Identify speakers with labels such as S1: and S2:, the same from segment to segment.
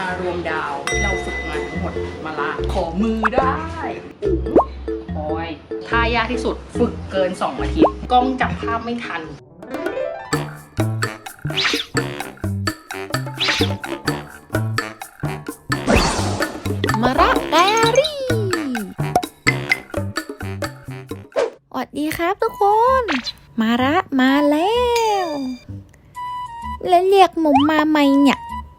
S1: ารวมดาวที่เราฝึกมาทั้งหมดมาละขอมือได้โอ้ยท่ายากที่สุดฝึกเกิน2 อาทิตย์กล้องจับภาพไม่ทัน
S2: มาระไดอารี่สวัสดีครับทุกคนมาระมาแล้วแล้วเรียกหมุมมาไหมเนี่ย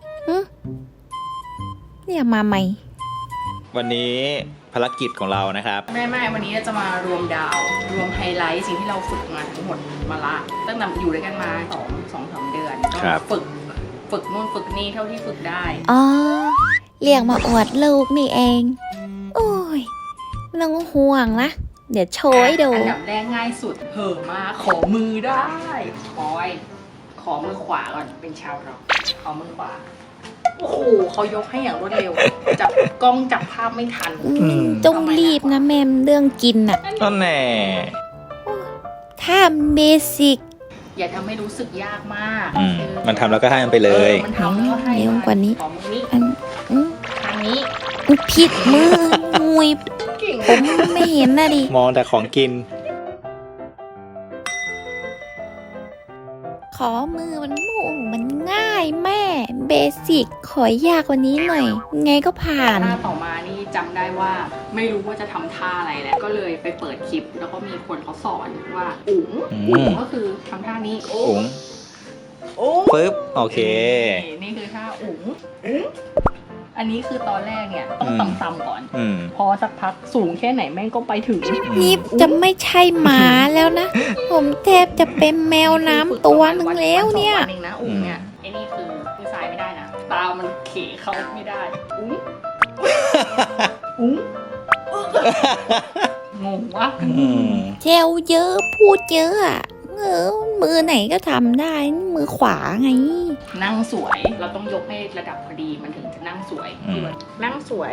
S2: เรียกมาไหม
S3: วันนี้ภารกิจของเรานะครับ
S1: ไม่วันนี้จะมารวมดาวรวมไฮไลท์สิ่งที่เราฝึกมาทั้งหมดมาละตั้งแต่อยู่ด้วยกันมา2-3 เดือนก็ฝึกนู่นฝึกนี่เท่าที่ฝึกได้
S2: อ๋อเรียกมาอวดลูกนี่เองโอ้ยไม่ต้องห่วงนะเดี๋ยวโชว์ให้ดู
S1: อันดับแรกง่ายสุดเห่อมาขอมือได้ขอมือขวาก่อนเป็นชาวร็อกขอมือขวาโอ้โหเขายกให้อย่างรวดเร็วจับกล้องจับภาพไม่ทัน
S2: จงรีบนะแม่เรื่องกินน่ะ
S3: นั่นแน่
S2: ถ้าเบสิก
S1: อย่าทำให้รู้สึกยากมาก
S3: มันทำแล้วก็ให้มันไปเลย
S1: มันทำแล้วก็ให้
S2: เร็วกว่านี้
S1: ขอมือนี้ทางนี้
S2: ผิดมือมุยผมไม่เห็นนะดิ
S3: มองแต่ของกิน
S2: ขอมือมันง่ายแม่เบสิกขอยากกว่านี้หน่อยไงก็ผ่าน
S1: ท่าต่อมานี่จำได้ว่าไม่รู้ว่าจะทำท่าอะไรแล้วก็เลยไปเปิดคลิปแล้วก็มีคนเขาสอนว่าอุ๋งก็คือทำท่านี้
S3: อุ๋งปึ๊บโอเค
S1: นี่คือท่าอุ๋งอันนี้คือตอนแรกเนี่ยต้องต่ำๆก่อนพอสักพักสูงแค่ไหนแม่งก็ไปถึง
S2: นี่จะไม่ใช่หมาแล้วนะผมแทบจะเป็นแมวน้ำตัวนึงแล้วเนี่ย
S1: นะอุ๋งเนี่ยไอ้นี่คือสายไม่ได้นะตามันเขเข้าไม่ได้อุ๋งงงวะ
S2: เจลเยอะพูดเยอะอ่ะมือไหนก็ทำได้มือขวาไง
S1: นั่งสวยเราต้องยกให้ระดับพอดีมันถึงจะนั่งสวยนั่งสวย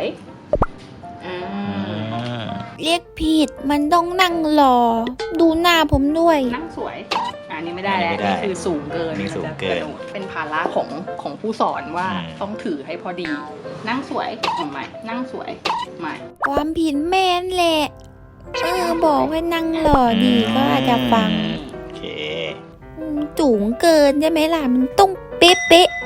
S2: เรียกผิดมันต้องนั่งรอดูหน้าผมด้วย
S1: นั่งสวยอันนี้ไม่ได้แล้วนี่คือสูงเกินเป็นภาระของผู้สอนว่าต้องถือให้พอดีนั่งสวยทำไมนั่งสวยไม่
S2: ความผิดแม่นแหละบอกให้นั่งรอดีก็อาจจะฟังสูงเกินใช่ไหมล่ะมันต้องเป๊ะ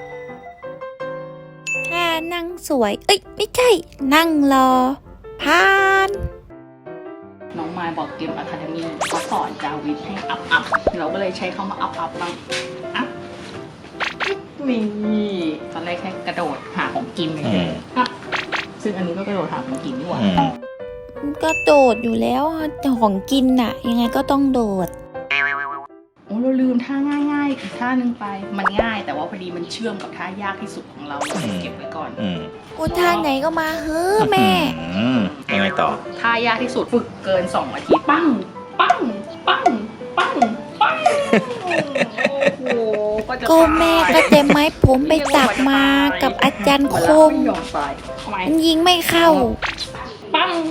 S2: ถ้านั่งสวยไม่ใช่นั่งรอผ่าน
S1: น้องมายบอกเกมอะคาเดมี่เขาสอนจาวิทให้อัพเราก็เลยใช้คำว่าอัพบ้างอัพนี่ตอนแรกแค่กระโดดหาของกินเลยอัพซึ่งอันนี้ก็กระโดดหาของกินดีกว่า
S2: ก็โดดอยู่แล้วของกินน่ะยังไงก็ต้องโดด
S1: โอ้เราลืมท่าง่ายอีกท่านึงไปมันง่ายแต่ว่าพอดีมันเชื่อมกับท่ายากที่สุดของเราเก็บไว้ก่อน
S2: ท่าไหนก็มาแม่
S3: ยังไงต่อ
S1: ท่ายากที่สุดฝึกเกิน2 อาทิตย์ปั้งโอ้โห
S2: ก็แม่ก็เต็มไม้ผมไปตักมากับอาจารย์คมมันยิงไม่เข้า
S1: ปั้ง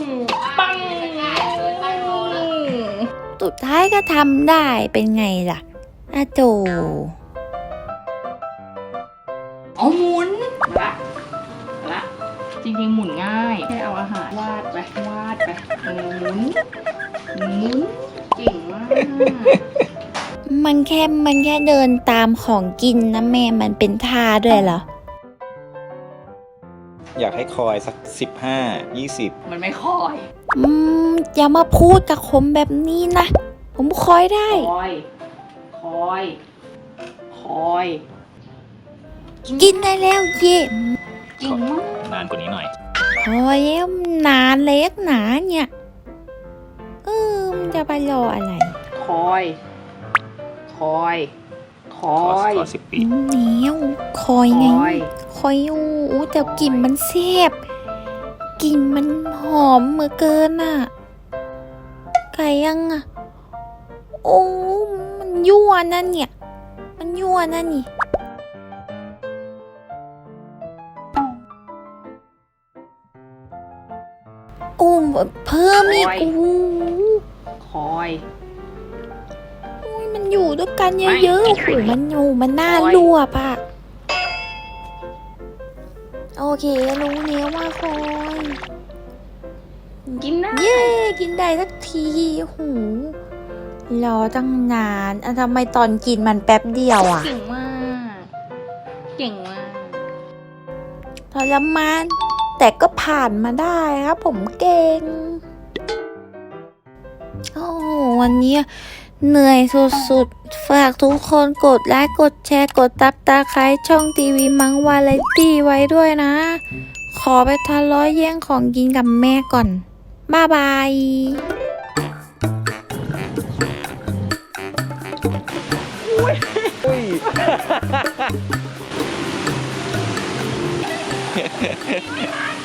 S2: สุดท้ายก็ทำได้เป็นไงล่ะอาโจ
S1: หมุนละจริงๆหมุนง่ายแค่เอาอาหารวาดไปหมุนเก่งมาก
S2: มันแค่เดินตามของกินนะแม่มันเป็นท่าด้วยเหรอ
S3: อยากให้คอยสัก15-20
S1: มันไม่คอย
S2: อย่ามาพูดกับผมแบบนี้นะผมคอยได้
S1: คอย
S2: กินได้แล้วเย่
S1: จริงมาก
S3: นานกว่านี้หน่อย
S2: คอยแล้วนานเล็กหนาเนี่ยมันจะไปรออะไร
S1: คอย
S3: 10 ปี
S2: เหนียวคอยไงคอยแต่กลิ่นมันแซ่บกลิ่นมันหอมเหมือเกินอ่ะไก่ยังอ่ะมันยั่วนั่นเนี่ยมันยั่วนั่นนี่เพิ่มอีก
S1: คอย
S2: มันอยู่ด้วยกันเยอะๆมันน่ารั่วป่ะโอเค รู้แล้วว่าคอย
S1: กินได้
S2: เย้ กินได้สักทีโหูรอตั้งนานทำไมตอนกินมันแป๊บเดียวอ่ะ
S1: เก่งมาก เก่งมาก
S2: ทรมานแต่ก็ผ่านมาได้ครับผมเก่ง โอ้วันนี้เหนื่อยสุดๆ ฝากทุกคนกดไลค์กดแชร์กดตับตาไคร้ช่องทีวีมังวาไรตี้ไว้ด้วยนะ ขอไปทะเลาะแย่งของกินกับแม่ก่อน บ๊ายบาย
S3: อุ้ย